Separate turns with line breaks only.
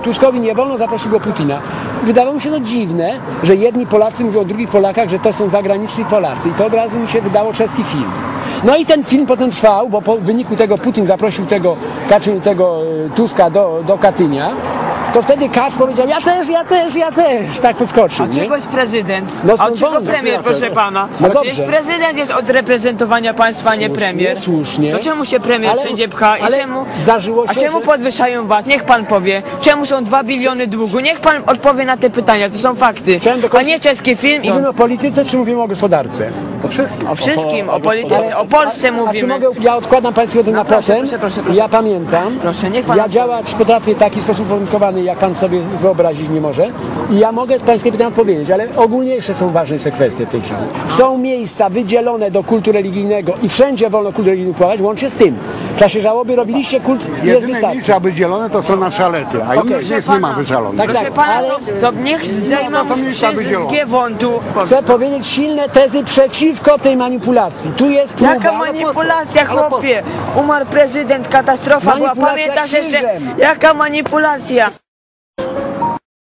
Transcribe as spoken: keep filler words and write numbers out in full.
Tuskowi nie wolno, zaprosił go Putina. Wydawało mi się to dziwne, że jedni Polacy mówią o drugich Polakach, że to są zagraniczni Polacy. I to od razu mi się wydało czeski film. No i ten film potem trwał, bo po wyniku tego Putin zaprosił tego, Kaczyn, tego Tuska do, do Katynia. To wtedy Kacz powiedział, ja też, ja też, ja też, tak podskoczył.
A czegoś prezydent?
No,
a
no,
czego
wolno.
premier, proszę pana?
No
Przecież
dobrze.
prezydent jest od reprezentowania państwa, nie
Słusznie,
premier.
słusznie.
No czemu się premier
Ale-
wszędzie pcha? I
ale
czemu,
zdarzyło się,
a czemu
że-
podwyższają V A T? Niech pan powie. Czemu są dwa biliony długu? Niech pan odpowie na te pytania, to są fakty.
Chciałem
A
dokończyć-
nie czeski film i...
Mówimy o polityce, czy mówimy o gospodarce?
O wszystkim.
O wszystkim,
O-
o
o
polityce, o Polsce
A czy
mówimy.
mogę, ja odkładam Państwu jeden
No
na
proszę,
potem.
proszę, proszę, proszę.
Ja pamiętam.
Proszę, niech pan
Ja
odpowie.
działać potrafię w taki sposób uwarunkowany, jak Pan sobie wyobrazić nie może. I ja mogę Pańskie pytania odpowiedzieć, ale ogólniejsze są ważniejsze kwestie w tej chwili. Są miejsca wydzielone do kultu religijnego i wszędzie wolno kult religijny uprawiać, łącznie z tym. W czasie żałoby robiliście kult, jest
Jedyne
wystarczy.
miejsca wydzielone to są nasze alety, a
Okej.
innych miejsc nie ma wyżalonych.
Tak,
Proszę
tak,
pana,
ale-
no, to niech zdejmą
to są miejsca
z
wydzielone.
Giewontu.
Chcę powiedzieć silne tezy przeciwko tej manipulacji. Tu jest próba...
Jaka manipulacja,
Ale po co?
chłopie? Umarł prezydent, katastrofa była.
Manipulacja
Pamiętasz jeszcze?
krzyżem.
Jaka manipulacja?